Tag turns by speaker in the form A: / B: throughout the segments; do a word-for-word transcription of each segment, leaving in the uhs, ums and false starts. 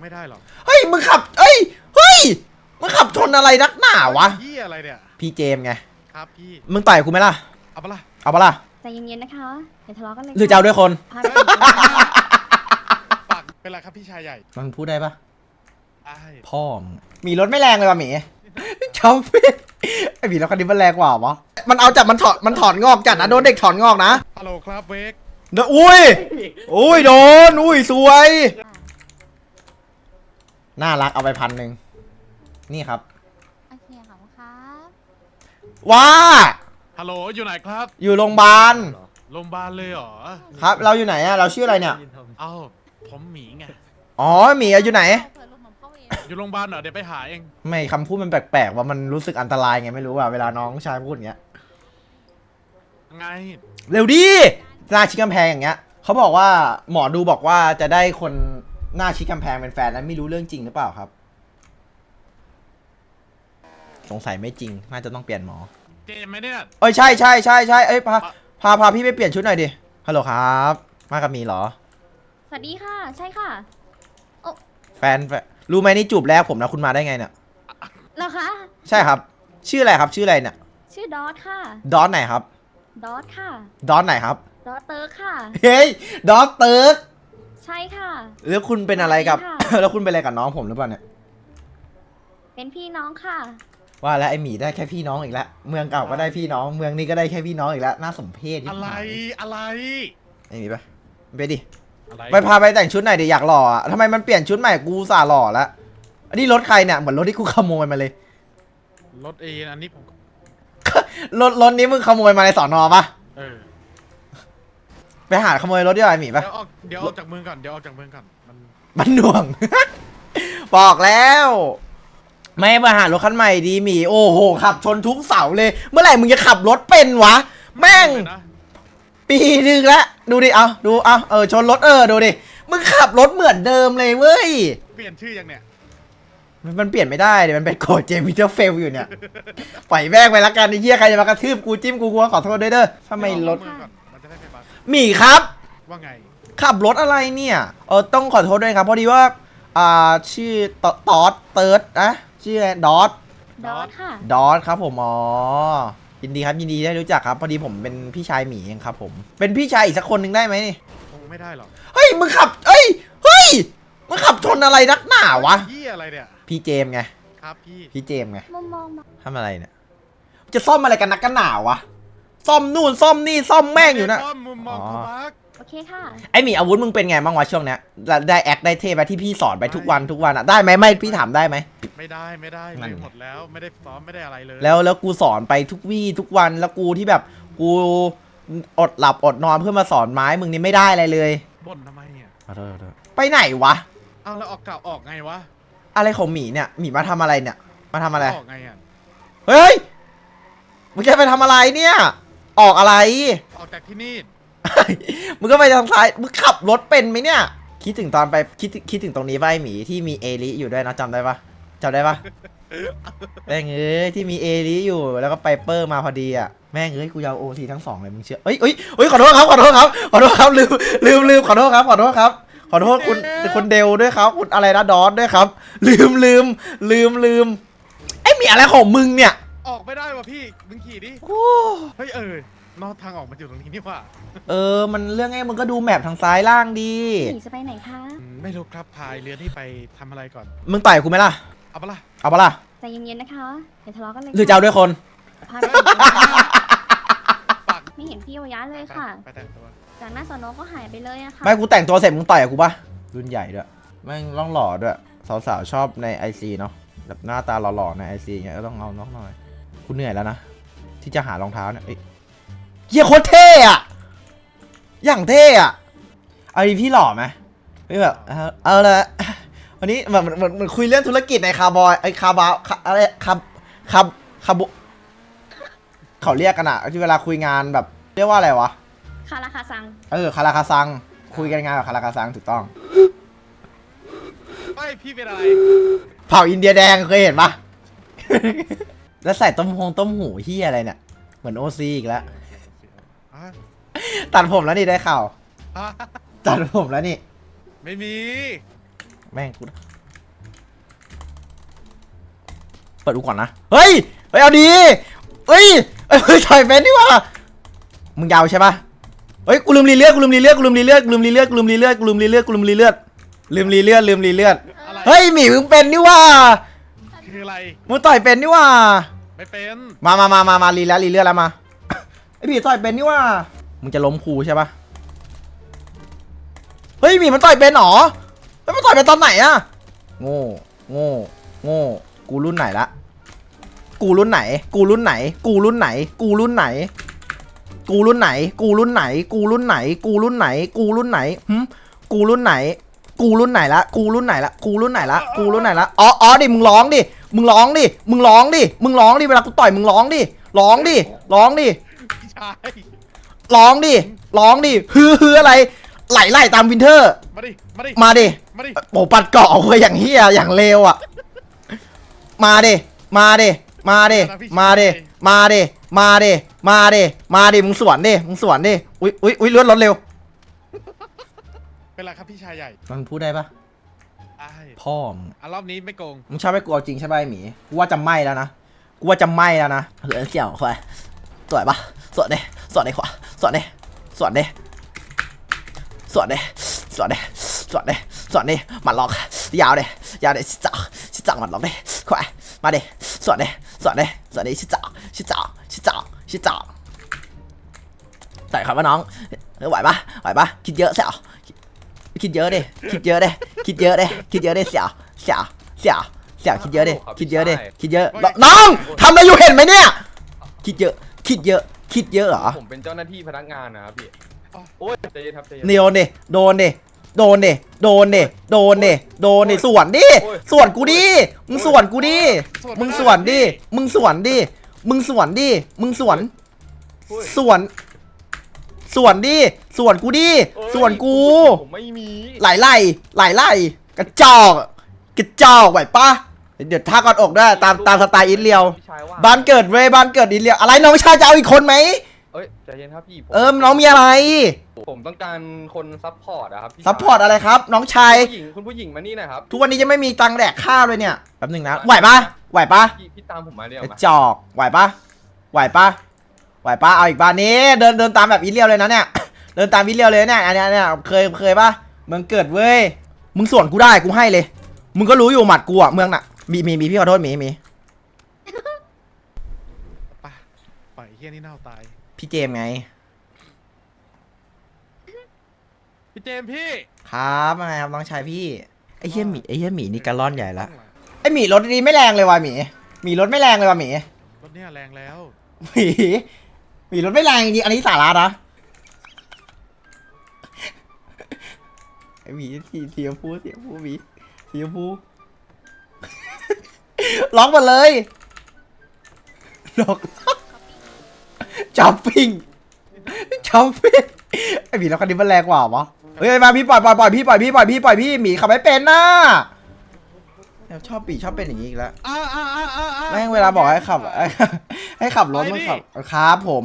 A: ไม่ได้หรอ
B: เฮ้ยมึงขับเอ้ยเฮ้ยมึงขับชนอะไรนักหนาวะ
A: พี่อะไรเนี่ย
B: พี่เจมไง
A: ครับพี่
B: มึงต่อยกูไหมล่ะ
A: เอาปะล่ะ
B: เอาปะล่ะ
C: ใจเย็นๆนะคะอย่าทะเลาะกันเลย
B: หรือจะเอาด้วยคน
A: ปากเป็นไรครับพี่ชายใหญ่
B: มันพูดได้ปะ
A: ไ
B: พ่อมีรถไม่แรงเลยว่ะหมีชอบไอหมีรถคันนี้มันแรงกว่าวะมันเอาจับมันถอดมันถอนงอกจัดนะโดนเด็กถอนงอกนะ
A: ฮัลโหลครับเวก
B: เด้ออุ้ยอุ้ยโดนอุ้ยสวยน่ารักเอาไปพันหนึ่งนี่ครับ
C: โอเคขอบคุณครับ
B: ว้า
A: ฮัลโหลอยู่ไหนครับ
B: อยู่โรงพยาบาล
A: โรงพยาบาลเลยเหรอ
B: ครับเราอยู่ไหนอะเราชื่ออะไรเนี่ย
A: เอ้าผมหมีไง
B: อ๋อหมีอยู่ไหน
A: อยู่โรงพยาบาลเหรอเดี๋ยวไปหาเอง
B: ไม่คำพูดมันแปลกๆว่ามันรู้สึกอันตรายไงไม่รู้อะเวลาน้องชายพูดอย่างเงี้ย
A: ไง
B: เร็วดิหน้าชิดกำแพงอย่างเงี้ยเขาบอกว่าหมอดูบอกว่าจะได้คนหน้าชิดกำแพงเป็นแฟนนั้นไม่รู้เรื่องจริงหรือเปล่าครับสงสัยไม่จริงน่าจะต้องเปลี่ยนหมอ
A: เจมไหมเนี่ย
B: เอ้ยใช่ใช่ใช่ใช่เอ้ยพาพาพาพี่ไปเปลี่ยนชุดหน่อยดิฮัลโหลครับมากับมีเหรอ
C: สวัสดีค่ะใช่ค่ะโอ้
B: แฟนรู้ไหมนี่จูบแรกผมนะคุณมาได้ไงเนี่ย
C: เหรอคะ
B: ใช่ครับชื่ออะไรครับชื่ออะไรเนี่ย
C: ชื่อดอทค่ะ
B: ดอทไหนครับ
C: ดอทค่ะ
B: ดอทไหนครับ
C: ดอทเติร์กค่ะ
B: เฮ้ยดอทเติร์ก
C: ใช่ค่ะ
B: แล้วคุณเป็นอะไรกับแล้วคุณเป็นอะไรกับน้องผมหรือเปล่าเนี่ย
C: เป็นพี่น้องค่ะ
B: ว่าแล้วไอหมีได้แค่พี่น้องอีกแล้วเมืองเก่าก็ได้พี่น้องเมืองนี้ก็ได้แค่พี่น้องอีกแล้วน่าสมเพช
A: อะไรอะไร
B: ไอหมีไปไปดิไปพาไปแต่งชุดหน่อยดิอยากหล่ออ่ะทำไมมันเปลี่ยนชุดใหม่กูสาหล่อแล้วอันนี้รถใครเนี่ยเหมือนรถที่กูขโมยมาเลย
A: รถเออันนี้ผม
B: รถรถนี้มึงขโมยมาในสอนอปะ
A: เออ
B: ไปหาขโมยรถดีกว่าไอหมีปะ
A: เดี๋ยวออกเดี๋ยวออกจากเมืองก่อนเดี๋ยวออกจากเมืองก่อนมัน
B: มันหน่วง บอกแล้วไม่มาหารถคันใหม่ดีหมีโอ้โหขับชนทุกเสาเลยเมื่อไหร่มึงจะขับรถเป็นวะแม่งปีนึงแล้วดูดิเอาดูเอาเออชนรถเออดูดิมึงขับรถเหมือนเดิมเลยเว้ย
A: เปลี่ยนชื่อยังเนี่ย
B: มันเปลี่ยนไม่ได้เดี๋ยวมันเป็นโกดเจมิเตอร์เฟลอยู่เนี่ยปล่อยแม่งไปละกันไอ้เหี้ยใครจะมากระทืบกูจิ้มกูกูขอโทษด้วยเด้อทำไมรถหมีครับ
A: ว่าไง
B: ขับรถอะไรเนี่ยเออต้องขอโทษด้วยครับพอดีว่าอ่าชื่อตอดเติร์ดนะชื่อดอท
C: ดอทค่ะ
B: ดอทครับผมอ๋อยินดีครับยินดีได้รู้จักครับพอดีผมเป็นพี่ชายหมีเองครับผมเป็นพี่ชายอีกสักคนหนึ่งได้ไหมนี่
A: คงไม่ได้หรอก
B: เฮ้ยมึงขับเอ้ยเฮ้ยมึงขับชนอะไรนักหนาวะ
A: พี่อะไรเนี่ย
B: พี่เจมไง
A: ครับพี่
B: พี่เจมไง
C: มองมอง
B: ทำอะไรเนี่ยจะซ่อมอะไรกันนักกันหนาวะซ่อมนู่นซ่อมนี่ซ่อมแม่งอยู่นะ
A: ซ่อมมุมมองเขาบัก
C: โอเคค่ะ
B: ไอหมีอาวุธมึงเป็นไงบ้างวะช่วงเนี้ยได้แอคได้เทไปที่พี่สอนไปทุกวันทุกวันอะได้ไหมไม่พี่ถามได้ไหม
A: ไม่ได้ไม่ได้เลยหมดแล้วไม่ได้ซ้อมไม่ได้อะไรเลย
B: แล้วแล้วกูสอนไปทุกวี่ทุกวันแล้วกูที่แบบกูอดหลับอดนอนเพื่อมาสอนไม้มึงนี่ไม่ได้อะไรเลย
A: บ่นทำไมเนี่ย
B: ไปไหนวะ
A: เอาแล้วออกเก่าออกไงวะ
B: อะไรของหมีเนี่ยหมีมาทำอะไรเนี่ยมาทำอะไร
A: ออกไงอ่ะ
B: เฮ้ยมึงจะไปทำอะไรเนี่ยออกอะไร
A: ออกจากที่นี่
B: มึงก็ไปทางซ้ายมึงขับรถเป็นไหมเนี่ยคิดถึงตอนไปคิดคิดถึงตรงนี้ป่ะไอหมีที่มีเอลิอยู่ด้วยนะจำได้ปะจำได้ปะแม่งเอ้ยที่มีเอลิอยู่แล้วก็ไปเปอร์มาพอดีอ่ะแม่งเอ้ยกูยาวโอทีทั้งสองเลยมึงเชื่อเอ้ยเอ้ยเอ้ยขอโทษครับขอโทษครับขอโทษครับลืมลืมลืมขอโทษครับขอโทษครับขอโทษคุณคุณเดลด้วยครับคุณอะไรนะดอสด้วยครับลืมลืมลืมลืมไอหมีอะไรของมึงเนี่ย
A: ออกไม่ได้ว่ะพี่มึงขี่ดิเฮ้ยเออนอกทางออกมาอยู่ตรงนี้นี่ว่า
B: เออมันเรื่องไงมึงก็ดูแมพทางซ้ายล่างดี
C: หนีจะไปไหนคะ
A: ไม่รู้ครับพายเรือที่ไปทำอะไรก่อน
B: มึงต่อยกูไหมล่ะ
A: เอาปะล่ะ
B: เอาปะล่ะ
C: ใจเย็นๆนะคะอย่าทะเลาะกันเลย
B: หรือจะเอาด้วยคน
C: ไม่เห็นพี่โอยะเลยค่ะ
A: ไปแต่งตัว
C: จากหน้าสอนอก็หายไปเลยอะค่ะ
B: ไม่กูแต่งตัวเสร็จมึงต่อยกูปะรุ่นใหญ่ด้วยแม่งร่องหล่อด้วยสาวๆชอบในไอซีเนาะแบบหน้าตาหล่อๆในไอซีเงี้ยก็ต้องเอาน้องหน่อยกูเหนื่อยแล้วนะที่จะหารองเท้าเนี่ยเฮียโคตรเท่อะอย่างเท่อะเอาดีพี่หล่อไหมไม่แบบเอาละวันนี้แบบเหมือนเหมือนคุยเรื่องธุรกิจในคาร์บอยไอคาร์บาอะไรคาคาคาบุเขาเรียกกันอะที่เวลาคุยงานแบบเรียกว่าอะไรวะ
C: คาราคาซัง
B: เออคาราคาซังคุยกันงานแบบคาราคาซังถูกต้อง
A: ไม่พี่เป็นอะไร
B: เผ่าอินเดียแดงเคยเห็นปะแล้วใส่ต้มหงต้มหูเฮียอะไรเนี่ยเหมือนโอซีอีกแล้วตัดผมแล้วนี่ได้ข่าวตัดผมแล้วนี่
A: ไม่มี
B: แม่งกูเปิดดูก่อนนะเฮ้ยเฮ้ยเอาดีเฮ้ยเฮ้ยถอยเป็นดิวะมึงยาวใช่ปะเฮ้ยกูลืมรีเลือดกูลืมรีเลือดกูลืมรีเลือดกูลืมรีเลือดกูลืมรีเลือดกูลืมรีเลือดกูลืมรีเลือดลืมรีเลือดลืมรีเลือด
A: อะไร
B: เฮ้ยหมีมึงเป็นนี่ว่า
A: คืออะไร
B: มึงต่อยเป็นนี่ว่า
A: ไม่เป็น
B: มามามามามารีแล้วรีเลือดแล้วมาไอหมีต่อยเป็นนี่ว่ามึงจะล้มครูใช่ปะเฮ้ยหมีมันต่อยเป็นหรอเฮ้ยมันต่อยเป็นตอนไหนอะโง่โง่โง่กูรุ่นไหนละกูรุ่นไหน กูรุ่นไหน กูรุ่นไหน กูรุ่นไหน กูรุ่นไหน กูรุ่นไหน กูรุ่นไหน กูรุ่นไหน กูรุ่นไหนหึกูรุ่นไหน กูรุ่นไหนละ กูรุ่นไหนละ กูรุ่นไหนละ กูรุ่นไหนละ อ๋ออ๋อดิ มึงร้องดิ มึงร้องดิ มึงร้องดิ มึงร้องดิ เวลากูต่อยมึงร้องดิ ร้องดิ ร้องดิ
A: พี่ชาย
B: ร้องดิ ร้องดิ ฮือฮืออะไร ไหลไหลตามวินเทอร์
A: มาดิมาดิ
B: มาดิ
A: มาดิ
B: โอ้ปัดเกาะเลยอย่างเฮียอย่างเลวอ่ะ มาดิ มาดิ มาดิ มาดิ มาดิ มาดิ มาดิ มาดิ มึงสวนดิ มึงสวนดิ อุ้ยอุ้ยอุ้ยเลื่อนรถเร็ว
A: เป็นไรครับพี่ชายใหญ่
B: มันพูดได้ปะ
A: อ้าย
B: พ่อมึง
A: อ่ะรอบนี้ไม่โกง
B: มึงชอบให้กูเอาจริงใช่ไหมหมี กูว่าจะไหม้แล้วนะ กูว่าจะไหม้แล้วนะเหลือเสี่ยวควายสวยปะสวนดิสวนดิขวาสวนดิสวนดิสวนดิสวนดิสวนดิสวนดิหมัดล็อกยาวดิยาวดิชิจ่าชิจ่าหมัดล็อกดิควายมาดิสวนดิสวนดิสวนดิชิจ่าชิจ่าชิจ่าชิจ่าใส่ครับว่าน้องไหวปะไหวปะคิดเยอะเสี่ยวคิดเยอะดิคิดเยอะดิคิดเยอะดิคิดเยอะดิเสี่ยวเสี่ยวเสี่ยวเสี่ยวคิดเยอะดิคิดเยอะดิคิดเยอะน้องทำอะไรอยู่เห็นไหมเนี่ยคิดเยอะคิดเยอะคิดเยอะเหรอ
D: ผมเป็นเจ้าหน้าที่พนักงานนะครับพี่ โอ้ยใจเย็นครับใจเย็น
B: โดนดิโดนดิโดนดิโดนดิโดนดิโดนดิสวนดิสวนกูดิมึงสวนกูดิมึงสวนดิมึงสวนดิมึงสวนดิมึงสวนสวนสวนดิสวนกูดิสวนกู
D: ผมไม่มี
B: ไหลไหลไหลไหลกระจอกกระจอกไหวปะเดี๋ยวท่ากอดอกด้วยตามตามสไตล์อินเลียว
D: พี่ชายว่า
B: บ้านเกิดเว้ยบ้านเกิดอินเลียวอะไรน้องชายจะเอาอีกคนไหม
D: เอ้ยใจเย็นครับพี่ผม
B: เออน้องมีอะไร
D: ผมต้องการคนซัพพอร์ตอะครับพี่ชาย
B: ซัพพอร์ตอะไรครับ น้องชาย
D: คุณผู้หญิงคุณผู้หญิงมานี่หนะครับ
B: ทุกวันนี้จะไม่มีตังค์แดกข้าวเลยเนี่ยแป๊บหนึงนะไหวปะไหวปะ
D: พี่พี่ตามผมมาเรียว
B: กระ
D: มา
B: จอกไหวปะไหวปะไหวปะเอาอีกบ้านนี้เดินเดินตามแบบอินเลียวเลยนะเนี่ย เดินตามอินเลียวเลยเนี่ยอันเนี้ยเนี่ยเคยเคยปะเมืองเกิดเว้ยมึงสวนกูได้กูให้เลย มึงก็รู้อยู่หมัดกูอะเมืองน่ะมีมีมีพี่ขอโทษมีมี
A: ไปปล่อยไอ้เฮียนี่เน่าตาย
B: พี่เจมส์ไง
A: พี่เจมส์พี่
B: ครับว่าไงครับน้องชายพี่ไอ้เหี้ยหมีไอ้เหี้ยหมีนี่กระล่อนใหญ่ละ
A: ข้างหง
B: ไอ้หมีรถดีไม่แรงเลยว่ะหมีหมีรถไม่แรงเลยว่ะหมี
A: รถเนี่ยแรงแล้ว
B: หมีหมีรถไม่แรงจริงๆอันนี้สาระนะไอ้หมีสีเสียพูเสียพูหมีเสียพู ล็อกหมดเลยล็อกจับปิ้งจับปิ้งไอ้หมีรถคันนี้มันแรงกว่าวะเฮ้ยมาพี่ปล่อยปล่อยปล่อยพี่ปล่อยพี่ปล่อยพี่ปล่อยพี่หมีขับไม่เป็นน่ะชอบปีชอบเป็นอย่างนี้อีกแล้ว
A: อ้าอ้าอ้าอ้าอ้า
B: แม่งเวลาบอกให้ขับ ให้ขับรถมันขับครับผม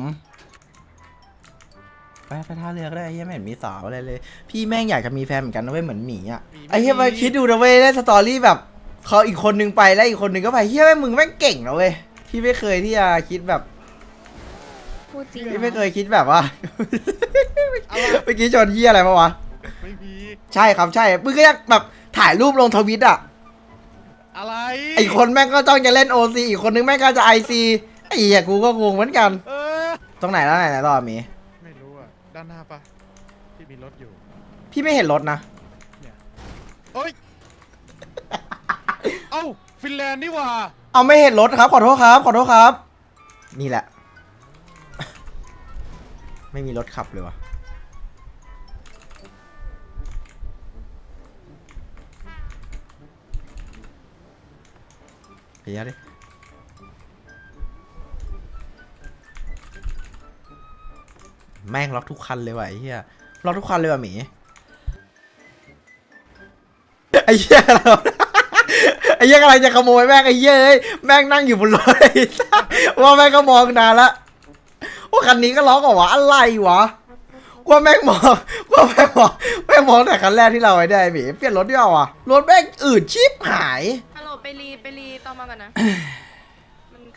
B: ไปไปท่าเรือก็ได้ไอ้เหี้ยไม่เห็นมีสาวอะไรเลย พี่แม่งอยากจะมีแฟนเหมือนกันนะเว้ยเหมือนหมีอ่ะไอ้เหี้ยมาคิดดูนะเว้ยได้สตอรี่แบบเขาอีกคนนึงไปแล้วอีกคนนึงก็ไปเหี้ยแม่งมึงแม่งเก่งนะเว้ยพี่ไม่เคยที่จะคิดแบบ
C: พูดจริง
B: พี่ไม่เคยคิดแบบว่า
A: อะไร
B: เมื่อกี้ชนเหี้ยอะไรมาวะ
A: ไม่มี
B: ใช่ครับใช่มึงก็ยังแบบถ่ายรูปลงทวิตอ่ะ
A: อะไร
B: ไอีกคนแม่งก็ต้องจะเล่นโอซีอีกคนนึงแม่งก็จะไอซีไอ้เหี้ยกูก็งงเหมือนกัน
A: เออ
B: ตรงไหนแล้วไหนไหนต่อมี
A: ไม่รู้อ่ะด้านหน้าปะที่มีรถอยู่
B: พี่ไม่เห็นรถนะ
A: เอ้ย เอ้าฟินแลนด์นี่หว่า
B: เอาไม่เห็นรถครับขอโทษครับขอโทษครับ นี่แหละ ไม่มีรถขับเลยวะเฮียดิแม่งล็อกทุกคันเลยว่ะไอ้เหี้ยล็อกทุกคันเลยว่ะหมีไอ้เหี้ยเรา ไอ้เหี้ยอะไรจะขโมยแม่งไอ้เหี้ยเอ้ยแม่งนั่งอยู่บนรถไอ้สัสว่าแม่งก็มองนานละว่าคันนี้ก็ล็อกเหรอวะอะไรวะกว่าแม่งมองกว่าแม่งมองแม่งมองแต่คันแรกที่เราไว้ได้หมีเปลี่ยนรถดีกว่าวะรถแม่งอืดชิบหาย
E: ฮัลโหลไปรีไปรีต่อมากันนะ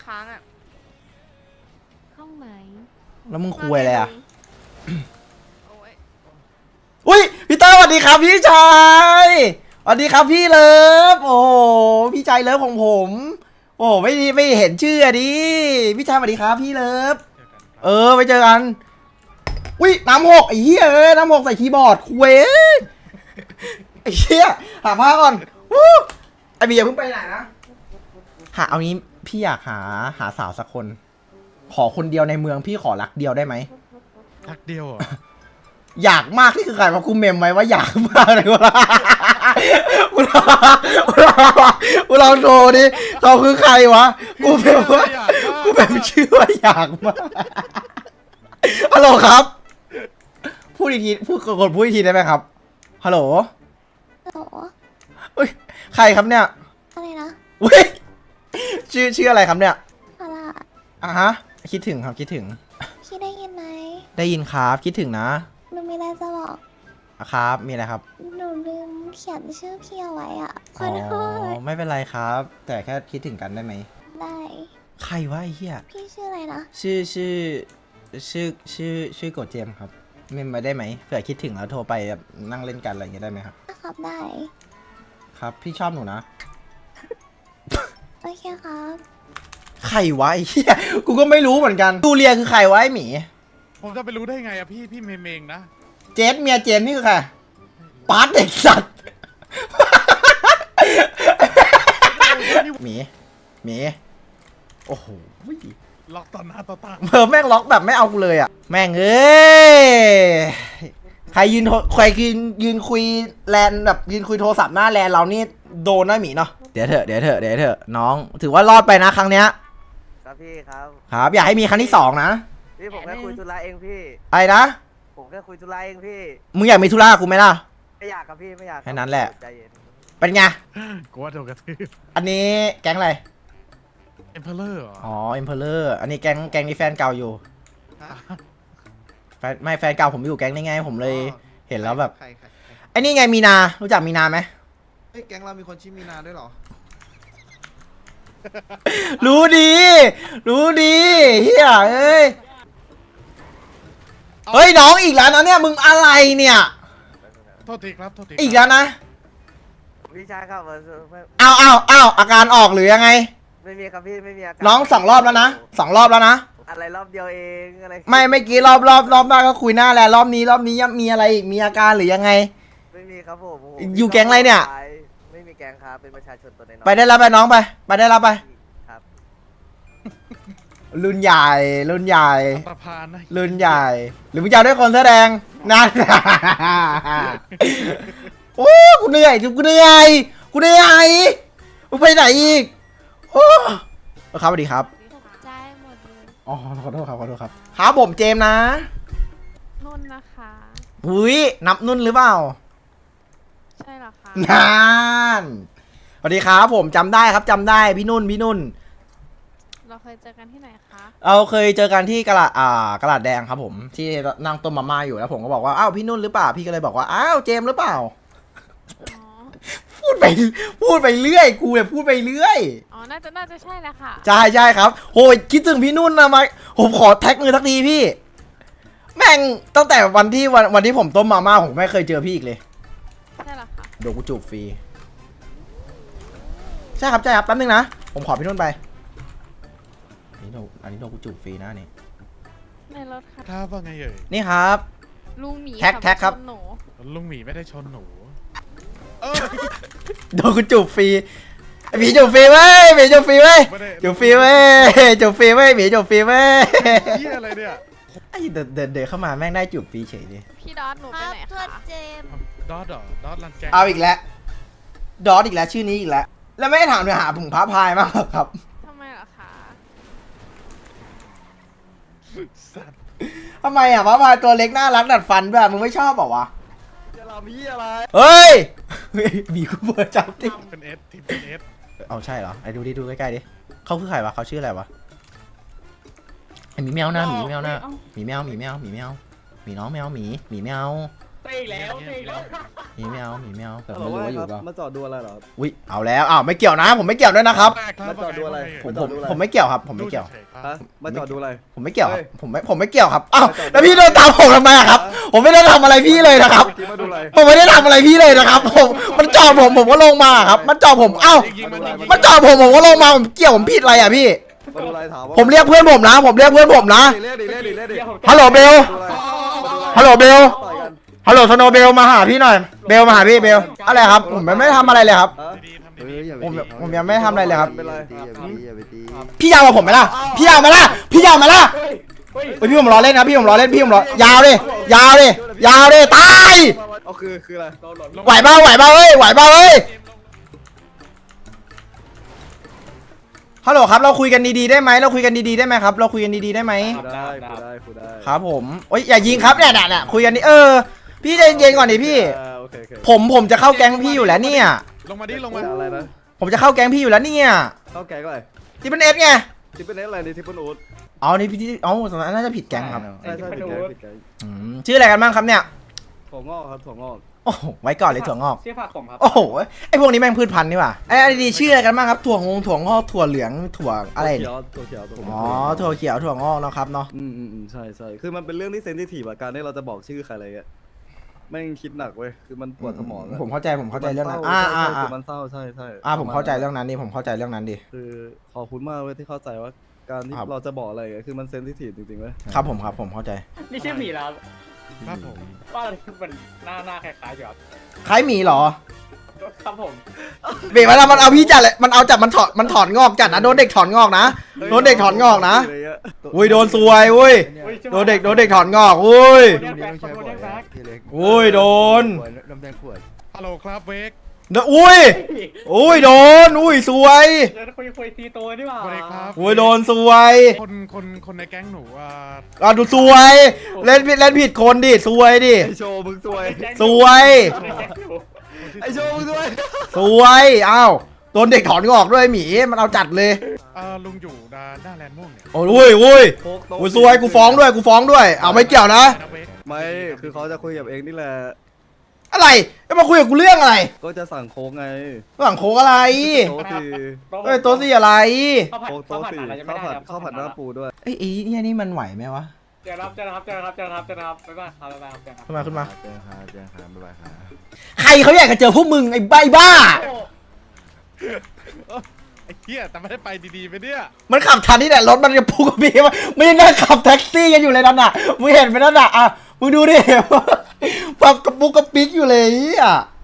C: ค้างอ่ะห้องไหน
B: แล้วมึงคุยอะไรอ่ะ
C: โอ้ย
B: อุ้ยพี่เตอร์สวัสดีครับพี่ชายสวัสดีครับพี่เลิฟโอ้โหพี่ชายเลิฟของผม โอ้ไม่ดีไม่เห็นชื่ออะดิพี่ชายสวัสดีครับพี่เลิฟเออไปเจอกันอุ้ยน้ำหกไอ้เหี้ยเอ้ยน้ำหกใส่คีย์บอร์ดคุยไอ้เหี้ยหาผ้าก่อนวู้ไอ้บีอย่าเพิ่งไปไหนนะหาเอางี้พี่อยากหาหาสาวสักคน ขอคนเดียวในเมืองพี่ขอรักเดียวได้ไหม
A: ทักเดียวเหรอ
B: อยากมากนี่คือใครมาคุมเมมไหมว่าอยากมากเลยว่ากูลองกูลองโทรดิเขาคือใครวะกูแบบว่ากูแบบชื่อว่าอยากมากฮัลโหลครับพูดอีกทีพูดกดพูดอีกทีได้ไหมครับฮัลโหล
C: โห
B: อุ้ยใครครับเนี่ย
C: อะไรนะ
B: อุ้ยชื่อชื่ออะไรครับเนี่ย
C: อะไร
B: อ่ะฮะคิดถึงครับคิดถึง
C: พี่ได้ยินไหม
B: ได้ยินครับคิดถึงนะ
C: หนูมีอะไรจะบอก
B: อ่ะครับมีอะไรครับ
C: หนูลืมเขียนชื่อพี่เอาไว้อ่ะข
B: อ๋
C: อโทษ
B: อไม่เป็นไรครับ แต่แค่คิดถึงกันได้ไหม
C: ได้
B: ใครวะไอ้เหี้ย
C: พี่ชื่ออะไรนะ
B: ชื่อชื่อชื่อชื่อชื่อโกดเจมส์ครับเมมมาได้ไหมเผื่อคิดถึงแล้วโทรไปแบบนั่งเล่นกันอะไรอย่างเงี้ยได้ไหมครับ
C: ครับได้
B: ครับ พี่ชอบหนูนะ
C: โอเคครับ
B: ใครวะไอ้เหี้ยกูก็ไม่รู้เหมือนกันตูเลียคือใครวะไอ้หมี
A: ผมจะไปรู้ได้ไงอะพี่พี่เมมเองนะ
B: เจสเมียเจนนี่คือใครปาร์ตเด็กสัตว์หมีหมีโอ้โห
A: ล็อกต่อหน้าต่อตา
B: เบอร์แม่งล็อกแบบไม่เอากูเลยอ่ะแม่งเอ้ยใครยืนโทรใครยืนยืนคุยแลนแบบยืนคุยโทรศัพท์หน้าแลนเรานี่โดนนะหมีเนาะเดี๋ยวเถอะเดี๋ยวเถอะเดี๋ยวเถอะน้อง ถือว่ารอดไปนะครั้งเนี้ย
E: ครับพี่ครับ
B: ครับ อยากให้มีครั้งที่สองนะ
E: พี่ผมแค่คุยธุระเองพี่
B: ไอ้นะ
E: ผมแค่คุยธุระเองพี่
B: มึงอยากมีธุระกับกูไหมล่ะ
E: ไม่อยากครับพี่ไม่อยากรับ
B: แค่นั้นแหละ
E: ใจเย็น
B: เป็นไง
A: กูว่าโดนกระทืบ
B: อันนี้แก๊งอะไร
A: เอ็มเพลเลอร์เหรอ
B: อ๋อเอ็มเพลเลอร์อันนี้แก๊งแก๊งนี้แฟนเก่าอยู่แฟนไม่แฟนเก่าผมอยู่แก๊งนี้ไงผมเลยเห็นแล้วแบบ
F: ใครใครใคร
B: ไอ้นี่ไงมีนารู้จักมีนาไหม
F: เฮ้ยแก๊งเรามีคนชื่อมีนาด้วยเหรอ
B: รู้ดี รู้ดีเฮียเอ้ยเฮ้ยน้องอีกแล้วนะเนี่ยมึงอะไรเนี่ย
A: โทษทีครับโทษที
B: อีกแล้วนะ
E: พี่ชายครับเออไม่
B: เอาเอาเอาอาการออกหรือยังไง
E: ไม่มีครับพี่ไม่มีอาการ
B: น้องสองรอบแล้วนะสองรอบแล้วนะ
E: อะไรรอบเดียวเองอะไร
B: ไม่เมื่อกี้รอบรอบรอบหน้าก็คุยหน้าแหละรอบนี้รอบนี้ยังมีอะไรอีกมีอาการหรือยังไง
E: ไม่มีครับผมผม
B: อยู่แก๊งอะไรเนี่ย
E: ไม่มีแก๊งครับเป็นประชาชนตัวน้อยๆ
B: ไปได้แล้วไปน้องไปไปได้แล้วไป
E: ครับ
B: รุ่นใหญ่รุ่นใหญ่
A: อัตภานนะ
B: รุ่นใหญ่ หรือมึงจะเอาด้วยคนแสอแดงนั่น โอ้กูเหนื่อยกูเหนื่อยกูเหนื่อยมึงไปไหนอีกโอ้ครับสวัสดีครับ
C: ตกใจหมดเลย
B: อ๋อขอโทษครับขอโทษครับครับผมเจมส์นะ
C: นุ่นนะคะ
B: อุ้ยนับนุ่นหรือเปล่า
C: ใช่เหรอคะ
B: นานสวัสดีครับผมจำได้ครับจำได้พี่นุ่นพี่นุ่น
C: เราเคยเจอกันที่ไหนคะ
B: เราเคยเจอกันที่กระดาษอ่ากระดาษแดงครับผมที่นั่งต้มมาม่าอยู่แล้วผมก็บอกว่าอ้าวพี่นุ่นหรือเปล่าพี่ก็เลยบอกว่าอ้าวเจมส์หรือเปล่า
C: อ๋อ
B: พูดไปพูดไปเรื่อยกูเนี่ยพูดไปเรื่อย
C: อ๋อน่าจะน่าจะใช่แหละค่ะ
B: ใช่ใช่ครับโหยคิดถึงพี่นุ่นนะมาผมขอแท็กมือทักทีพี่ แม่งตั้งแต่วันที่วันวันที่ผมต้มมาม่าผมไม่เคยเจอพี่อีกเลย
C: ใช่เหรอคะ
B: เดี๋ยวกูจูบฟรีใช่ครับใช่ครับแป๊บนึงนะผมขอพี่นุ่นไปอันนี้โดนอันนี้โดนกูจูบฟรีนะนี่
C: ในรถค่ะ
A: ครับว่าไงเอ่ย
B: นี่ครับ
C: ลุงหมี
B: แท็ก
C: ขั
B: แท็กครับ
C: ชนหนู
A: ลุงหมีไม่ได้ชนหนูเออ
B: โดนกูจูบฟรีไอ้หมีจูบฟรีเว้ยหมีจูบฟรีเว้ย
A: ไม่ได้
B: จูบฟรีเว้ยจูบฟรีเว้ยหมีจูบฟรีเว้ย
A: เหี้ยอะไรเนี่ย
B: ไอ้เดินเดินเดินเข้ามาแม่งได้จูบฟรีเฉยเลย
C: พี่ดอสหนูไปไหนคะ
A: ดอทเหรอดอทลันแกง
B: เอาอีกแล้วดอทอีกแล้วชื่อนี้อีกแล้วแล้วไม่ได้ถามเนื้อหาผงพระพายมากหรอครับ
C: ทำไมเหรอคะ
A: สัตว์
B: ทำไมอ่ะพระพายตัวเล็กน่ารักดัดฟันแบบมึงไม่ชอบเปล่าวะ
E: จะรำพี่อะไร
B: เฮ้ยเฮ้ยบีกูเบอร์จับติ
A: เป็นเอสทีมเป็นเอส
B: เอาใช่เหรอไอ้ดูดิดูใกล้ๆดิเขาคือใครวะเขาชื่ออะไรวะไอ้หมีแมวนะหมีแมวนะหมีแมวหมีแมวหมีแมวหมีน้องแมวหมีหมีแมว
D: ไปอีกแล้วไปอีกแล้ว
B: หมีไม่เอาหมีไม่เอาแต่
E: ฮัลโหล
B: ไม่รู้ว่าอยู่
E: ค
B: เป
E: รั
B: ล่า
E: บมาจอดดูอะไรเหรอครับ
B: อุ้ยเอาแล้วอ้าวไม่เกี่ยวนะ ผมไม่เกี่ยวด้วยนะครับ
E: มาจอดดูอะไร
B: ผม
E: มาจ
B: ผ
E: อ
B: ม
E: ดดูอะไร
B: ผมไม่เกี่ยวครับผมไม่เกี่ยว
E: ฮะมาจอดดูอะไร
B: ผมไม่เกี่ยวค
E: เฮ้
B: รับ
E: ย
B: ผมไม่ผมไม่เกี่ยวครับอ้าว
E: มาจอดดู
B: แล้วพี่เดินตามผมทำไมอะครับ ผมไม่ได้ทำอะไรพี่เลยนะครับ
E: เมื่อกี้มาดูอะไร
B: ผมไม่ได้ทำอะไรพี่เลยนะครับผมมันจอดผมผมก็ลงมาครับ มันจอดผมเอ้า
A: ยิงๆมันยิงๆ
B: มันจอดผมผมก็ลงมาผมเกี่ยวผมผิดอะไรอ่ะพี่
E: มาดูอะไรถามว่า
B: ผมเรียกเพื่อนผมนะ ผมเรียกเพื่อนผมนะ
E: เรียกดิเรียกดิเรียกดิ
B: ฮัลโหลเบล
E: ดูอะไรมาดูอะไร
B: ฮัลโหลเบล
E: ต่อยกัน
B: ฮัลโหลสโนว์เบลมาหาพี่หน่อยเบลมาหาพี่เบลอะไรครับผมไม่ได้ทำอะไรเลยครับ
E: ฮะ
A: ดีๆทำ
F: เอ
A: ดี
F: ออย่าไป
B: ผม
F: ตี
B: ผมยังไม่ทำอะไรเลยครับ
E: เป็นไร
F: อย่าไปตีอย่าไปตีอย่าไปตี
B: พี่ยาวมาผมไหมล่ะพี่ยาวมาล่ะพี่ยาวมาล่ะเฮ้ยพี่ผมรอเล่นนะพี่ผมรอเล่นพี่ผมรอยาวดิยาวดิยาวดิตาย
E: เอาคือคืออะไร
A: ๆ
B: ไหวเปล่าไหวเปล่าเอ้ยไหวเปล่าเอ้ยฮัลโหลครับเราคุยกันดีๆได้ไหมเราคุยกันดีๆได้ไหมครับเราคุยกันดีๆได้ไหม
E: คุยได้คุยได้คุยได้
B: ครับผมโอ้ยอย่ายิงครับเนี่ยเนี่ยเนี่ยคุยกันดิเออพี่ใจเย็นๆก่อนดิพี่
E: อ่าโอเคโอเค
B: ผมผมจะเข้าแก๊งพี่อยู่แล้วเนี่ย
A: ลงมาดิลงมา
E: อะไรนะ
B: ผมจะเข้าแก๊งพี่อยู่แล้วเนี่ย
E: เข้าแก๊งอะไร
B: ที่เป็นเอสไง
E: ทิปเป็นเอสอะไรนี่ทิปเป็นอูด
B: เอานี่พี่เอ้าสมัยน่าจะผิดแก๊งครับ
E: ใช่ใช่ผิดแก๊งผิดแก๊ง
B: อืมชื่ออะไรกันบ้างครับเนี่ย
E: ถั่วงอกครับถั่วงอก
B: โอ้โหไว้ก่อนเลยถั่วงอก
G: ชื่อผักผมครับ
B: โอ้โหไอพวกนี้แม่งพืชพันธุ์นี่หว่าไอ้ไอ้ดีชื่ออะไรกันบ้างครับถั่วงงถั่วงอกถั่วเหลืองถั่วอะไร
E: เขี
B: เนี่ย
E: ยวถั่วเขียวถั่ว
B: อ๋อถั่วเขียวถั่วงอกเนาะครับเนาะ
E: อืมอืมอืมใช่ใช่คือมันเป็นเรื่องที่เซนซิทีฟอะการที่เราจะบอกชื่อใครอะไรเงี้ยแม่งคิดหนักเว้ยคือมันปวดสมองอะ
B: ผมเข้าใจผมเข้าใจเรื่องนั้น
E: มั
B: อ่า
E: ศ
B: อ่า
E: ใช่
B: อ่า
E: คือมันเศร้าใช่ใช่
B: อ่าผมเข้าใจเรื่องนั้นดิผมเข้าใจเรื่องนั้นดิ
E: คือขอบคุณมากเว้ยที่เข้าใจว่าการที่
B: ครับ
E: เราจะบอกอะไรอะคือมันเซนซิทีฟจริงๆเว้ย
B: ครับผมครับผมเข้าใจ
G: นี่ชื่อหมีแล้วครับ
A: ครับผม
G: ว่าอะไรมันหน้าหน้าคล้ายๆอยู่ครับ
B: คล้ายหมีเหรอ
G: ครับผม
B: เบรกมันมันเอาพี่จัดเลยมันเอาจัดมันถอนมันถอนงอกจัดนะโดนเด็กถอนงอกนะโดนเด็กถอนงอกนะ
E: ไรเงี้ย
B: อุ้ยโดนซวยอุ้ยโดนเด็กโดนเด็กถอนงอกอุ้ย
F: ลูกนี้ต้องใช้บ่อยนะพี่เล็ก
B: อุ้ยโดน
F: ขวดน้ำแดงขวด
A: ฮัลโหลครับเวก
B: โดนอุ้ยอุ้ยโดนอุ้ยซวย
G: เดี๋ยวคุยคุยตีโตดีกว่า
A: สวัสดีครับ
B: อุ้ยโดนซวย
A: คนคนคนในแก๊งหนูอ่า
B: อ่ะดูซวยเล่นผิดเล่นผิดคนดิซวยดิ
E: ไอโชว์มึงซวย
B: ซวย
E: ไอโชว์มึงซวย
B: ซวยอ้าวโดนเด็กถอนงอกด้วยหมีมันเอาจัดเลย
A: เอ่อลุงอยู่ด้านหน้าแลนด์ม่วงเนี่ย
B: โอ้ยอุ้ย
E: โค้กโต๊ะ
B: อุ้ยซวยกูฟ้องด้วยกูฟ้องด้วยเอาไม่เกี่ยวนะ
A: นะเวก
E: ไม่คือเขาจะคุยกับเองนี่แหละ
B: อะไรจะมาคุยกับกูเรื่องอะไร
E: ก็จะสั่งโค้กไง
B: หลังโค้กอะไร
E: โต๊ะสี่
B: เอ้ยโต๊ะสี่อะไร
G: ข้าวผัด
E: โค้ก
G: ข้าว
E: โต๊ะ
G: ผัด
E: สี่
G: อะไรยังไม่
E: ข้าว
G: ได้
E: ผัด
G: ครับ
E: ข้าวผัดหน้าปูด้วย
B: เอ้ยไอ้เนี่ยนี่มันไหวไหมวะ
G: เจอครับเจอครับเจอครับเจอครับเจอครับบ๊ายบายครับบ๊ายบายครับเจอครับ
B: ขึ้นมาขึ้นมา
F: เจอครับเจอครับบ๊ายบายครับ
B: ใครเขาอยากจะเจอพวกมึงไอ้ใบบ้า
A: ไอ้เหี้ยแต่ไม่ได้ไปดีๆไปเนี่ย
B: มันขับทันที่ไหนรถมันจะพุ่งกับพี่มาไม่ได้นั่งขับแท็กซี่กันอยู่เลยนั่นน่ะมึงเห็นไหมนั่นน่ะอ่ะมึงดูดิ แบบกระปุกกระปิกอยู่เลยอ่ะ